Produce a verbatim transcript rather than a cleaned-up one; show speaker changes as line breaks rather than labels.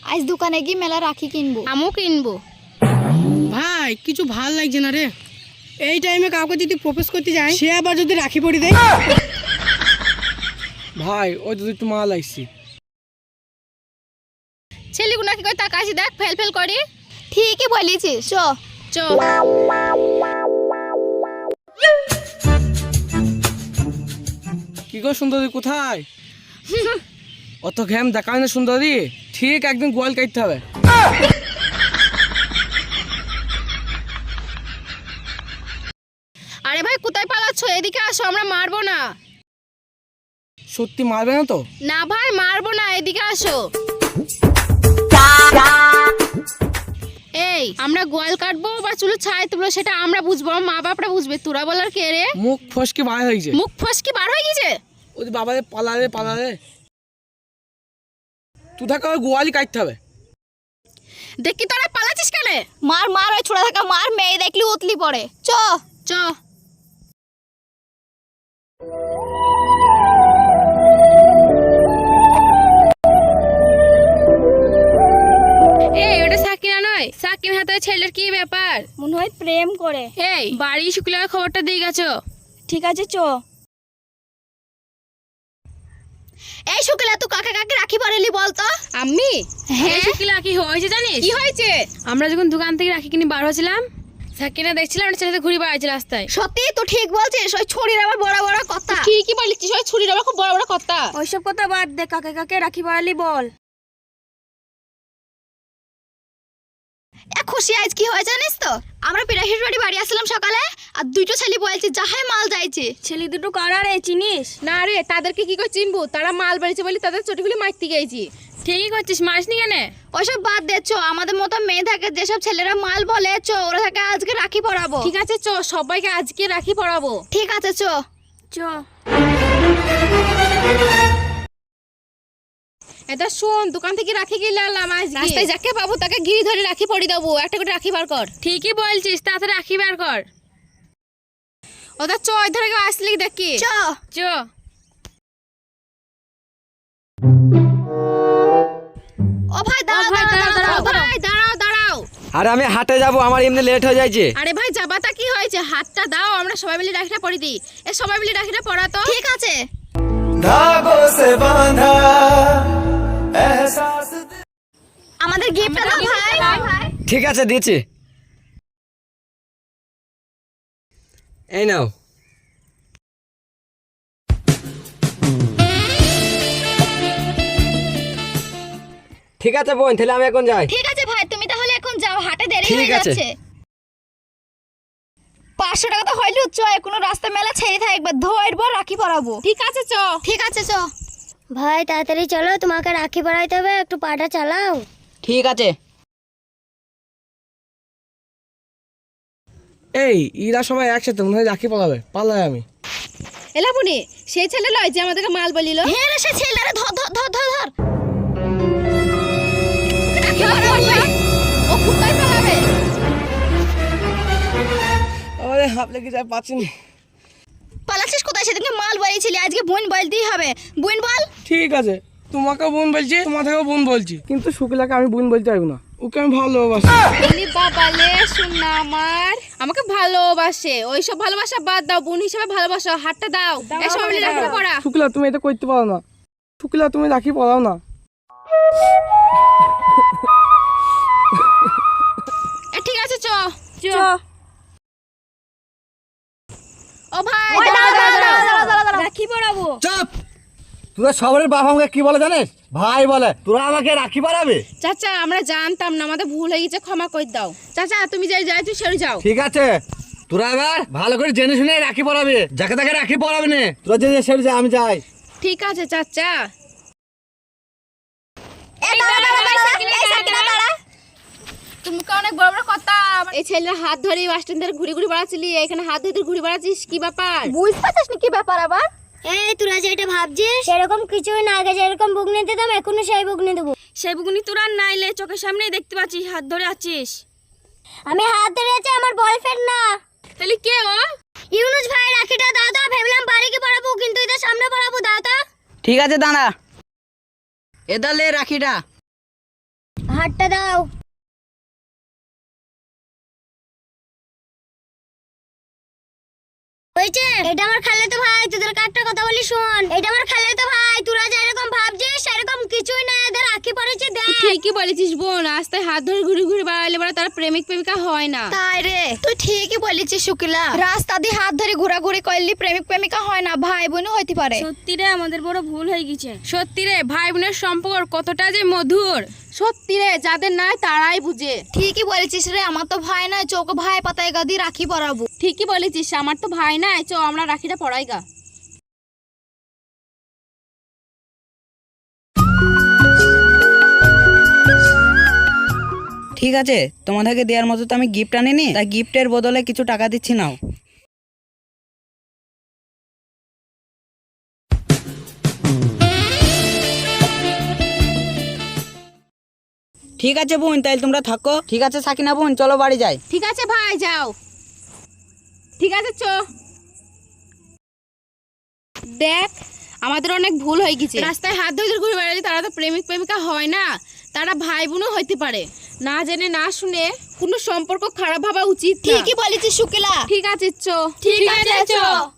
আজ দোকানে গিয়ে মেলা রাখি কিনবো।
আমিও কিনবো।
ভাই কিছু ভাল লাগছে না রে, এই টাইমে কাউকে যদি প্রপোজ করতে যাই সে আবার যদি রাখি পরি দেয়। ভাই ওই তো একটু মাল লাগছি।
ছেলেগুলো কি করে তাকাইছি দেখ, ফেল ফেল করে।
ঠিকই বলেছিস, চ
চ।
কি গো সুন্দরী কোথায়? অত ঘ্যাম দেখায় না সুন্দরী, ঠিক একদিন গোয়াল কাটতে হবে।
আরে ভাই কোথায় পালাচ্ছ? এদিকে আসো, আমরা মারবো না।
সত্যি মারবে না তো?
না ভাই মারবো না, এদিকে আসো। এই আমরা গোয়াল কাটবো বা চুলো ছাই তুলবো সেটা আমরা বুঝবো, আমার মা বাপরা বুঝবে, তোরা বলার কে রে?
মুখ ফসকে বার হয়েছে।
মুখ ফসকি বার হয়ে গেছে?
ওই বাবা রে পালারে পালারে, তুই থাকা গোয়ালই কাটতে হবে।
দেখি তোরা পালাচ্ছিস কেন?
মার মার ওই ছোড়া থাকা মার, মেয়ে দেখলি উতলি পড়ে। চ
চ। এই ওটা সাকিনা নয়? সাকিন হাতে ছেলের কি ব্যাপার?
মনে হয় প্রেম করে।
এই বাড়ি শুক্লার খবরটা দিয়ে গেছো?
ঠিক আছে চ। এই শুক্লা তুই কাকে কাকে রাখি পরেলি বলতো?
আমি?
হ্যাঁ।
শুক্লা কি হয়েছে জানিস? কি হয়েছে? আমরা যখন দোকান থেকে রাখি কিনে বার হয়েছিলাম, সাকিনা দেখছিলাম একটা ছেলেতে ঘুরে বেড়াচ্ছে রাস্তায়।
সত্যি তো ঠিক বলছিস, ওই ছুরির আবার বড় বড় কথা।
ঠিকই বলেছিস, ওই ছুরির আবার খুব বড় বড় কথা।
ওইসব কথা বাদ দে, কাকে কাকে রাখি পরালি বল। এ খুশি আজ কি হয় জানিস তো? আমরা পিরাহির বাড়ি বাড়ি আসলাম সকালে, আর দুইটো ছেলে বলছে যাহাই মাল যাইছে। ছেলে দুটো কারা রে চিনিস?
না রে, তাদেরকে কি করে চিনবো? তারা মাল বেড়েছে বলে তাদের চটিগুলি মারতে গেছি। ঠিকই করছিস, মারিসনি কেন?
ওইসব বাদ দে, চ আমাদের মতো মেয়ে থাকে যেসব ছেলেরা মাল বলে, চ ওরা থাকে আজকে রাখি পরাবো।
ঠিক আছে চ, সবাইকে আজকে রাখি পরাবো।
ঠিক আছে চ চ।
এটা শোন, দোকান থেকে রাখি কিনে আনলাম আজকে। রাস্তায় যাকে পাবো তাকে ঘিরে ধরে রাখি পরিয়ে দেবো। একটা করে রাখি বার কর। ঠিকই বলছিস, তাড়াতাড়ি রাখি বার কর। ওটা চ, ধরে কেউ আসলি দেখি।
চ
চ।
ও ভাই দাঁড়াও দাঁড়াও দাঁড়াও
ভাই দাঁড়াও দাঁড়াও।
আরে আমি হাটে যাব, আমার এমনি লেট হয়ে যাচ্ছে।
আরে ভাই যাবাটা কি হয়েছে? হাতটা দাও, আমরা সবাই মিলে রাখিটা পরিয়ে দিই। এ সবাই মিলে রাখিটা পরা তো।
ঠিক আছে।
धागों से बांधा एहसास
আমাদের গিফটটা দাও ভাই।
ঠিক আছে দিচ্ছি, এই নাও। ঠিক আছে বোন, তাহলে আমি এখন যাই।
ঠিক আছে ভাই, তুমি তাহলে এখন যাও, হাটে দেরি
ঠিক
হয়ে
আছে।
যাচ্ছে। পাঁচশো টাকা তো হইলো, চ কোনো রাস্তা মেলা ছেড়ে থাক, একবার ধরবো রাখি পরাবো।
ঠিক আছে চ।
ঠিক আছে চ।
ভাই তাড়াতাড়ি চলো, তোমাকে রাখি পরাইতে হবে, একটু পাটা চালাও।
ঠিক আছে।
এই ইরা সবাই একসাথে মনে হয় রাখি পালাবে, পালাই আমি।
এলাপুনি সেই ছেলে লয় যে আমাদেরকে মাল বলিল।
হ্যাঁ রে, সে ছেলেরা ধর ধর ধর ধর ধর।
ও কোথায় পালাবে?
আরে হাত লেগে যায়, পাচ্ছিনি।
পালাচ্ছিস কোথায়? সেদিনকে মাল বলেছিলি, আজকে বোন বলতেই হবে। বোন বল।
ঠিক আছে, তোমাকেও বোন বলছি, তোমাকেও বোন বলছি, কিন্তু শুক্লাকে আমি বোন বলতে পারবো না, ওকে আমি ভালোবাসি।
বলি বাবালে শুননা আমার, আমাকে ভালোবাসে। ওইসব ভালোবাসা বাদ দাও, বোন হিসেবে ভালোবাসো। হাতটা দাও, এই সবাই মিলে রাখিটা পরা।
শুক্লা তুমি এটা করতে পারো না, শুক্লা তুমি রাখি পরাও না।
এ ঠিক আছে চ চ। ও ভাই
ওই দাঁড়াও, দাঁড়াও, দাঁড়াও, দাঁড়াও, দাঁড়াও, দাঁড়াও।
রাখি পরাবো।
চুপ! তোরা সবার বাপ আমাকে কি বলে জানিস? ভাই বলে। তোরা আমাকে রাখি পরাবে?
চাচা আমরা জানতাম না, আমাদের ভুল হয়ে গেছে, ক্ষমা করে দাও। চাচা তুমি যাই যাই তুই সরে যাও।
ঠিক আছে, তোরা এবার ভালো করে জেনে শুনে রাখি পরাবে, যাকে তাকে রাখি পরাবে না। তোরা যে সেরে যা, আমি যাই।
ঠিক আছে চাচা।
এ দাঁড়া দাঁড়া দাঁড়া, এই সাইকেলে দাঁড়া।
তুমি তো অনেক বড় বড় কথা। এই ছেলের হাত ধরে বাস স্ট্যান্ড ধরে ঘুরে ঘুরে বেড়াচ্ছিলি, এখানে হাত ধরে ঘুরে বেড়াচ্ছিস, কি ব্যাপার?
বুঝতে পারছিস না কি ব্যাপার আবার?
এই তোরা যেটা ভাবছিস সেরকম কিছুই না, আগে যেরকম বুগনি দিতাম এখনো সেই বুগনি দেবো।
সেই বুকুনি তোরা নাইলে চোখের সামনেই দেখতে পাচ্ছিস হাত ধরে আছিস।
আমি হাত ধরে আছি, আমার বয়ফ্রেন্ড না।
তাহলে কে ও?
ইউনুস ভাই রাখিটা দাও তো, ভেবলাম বাড়ি কি পড়াবো, কিন্তু এটা সামনে পড়াবো, দাও তো।
ঠিক আছে দাঁড়া, এদালে রাখিটা।
হাতটা দাও। হয়েছে? এটা আমার খালাতো ভাই, তোদের একটা কথা বলি শোন। এটা আমার খালাতো ভাই, তোরা যেরকম ভাবছিস সেরকম কিছুই না, এদের রাখি পড়েছে দেখ।
ঠিকই বলেছিস বোন, রাস্তায় হাত ধরে ঘুরে ঘুরে বেড়ালে বড় তারা প্রেমিক প্রেমিকা হয় না।
তাই রে, তুই ঠিকই বলেছিস শুকিলা। রাস্তা দিয়ে হাত ধরে ঘোরাঘুরি করলি প্রেমিক প্রেমিকা হয় না, ভাই বোনও হইতে পারে।
সত্যি রে, আমাদের বড় ভুল হয়ে গেছে। সত্যি রে, ভাই বোনের সম্পর্ক কতটা যে মধুর। সত্যি রে, যাদের নাই তারাই বুঝে।
ঠিকই বলেছিস রে, আমার তো ভাই নাই, চোখ ভাই পাতায় গা দিয়ে রাখি পরাবো।
ঠিকই বলেছিস, আমার তো ভাই নাই, চো আমরা রাখিটা পড়াই গা।
ঠিক আছে, তোমাদেরকে দেওয়ার মতো তো আমি গিফট আনিনি, তাই গিফটের বদলে কিছু টাকা দিচ্ছি, নাও। ঠিক আছে বোন, তাইলে তোমরা থাকো। ঠিক আছে সাকিনা বোন, চলো বাড়ি যাই।
ঠিক আছে ভাই, যাও। ঠিক আছে, চো। দেখ, আমাদের অনেক ভুল হয়ে গেছে। রাস্তায় হাত ধরে ঘুরে বেড়ালে তারা তো প্রেমিক প্রেমিকা হয় না, তারা ভাই বোনও হইতে পারে। না জেনে না শুনে কোনো সম্পর্ক খারাপ ভাবা উচিত না।
ঠিকই বলেছিস শুকিলা।
ঠিক আছে, চো।
ঠিক আছে, চো।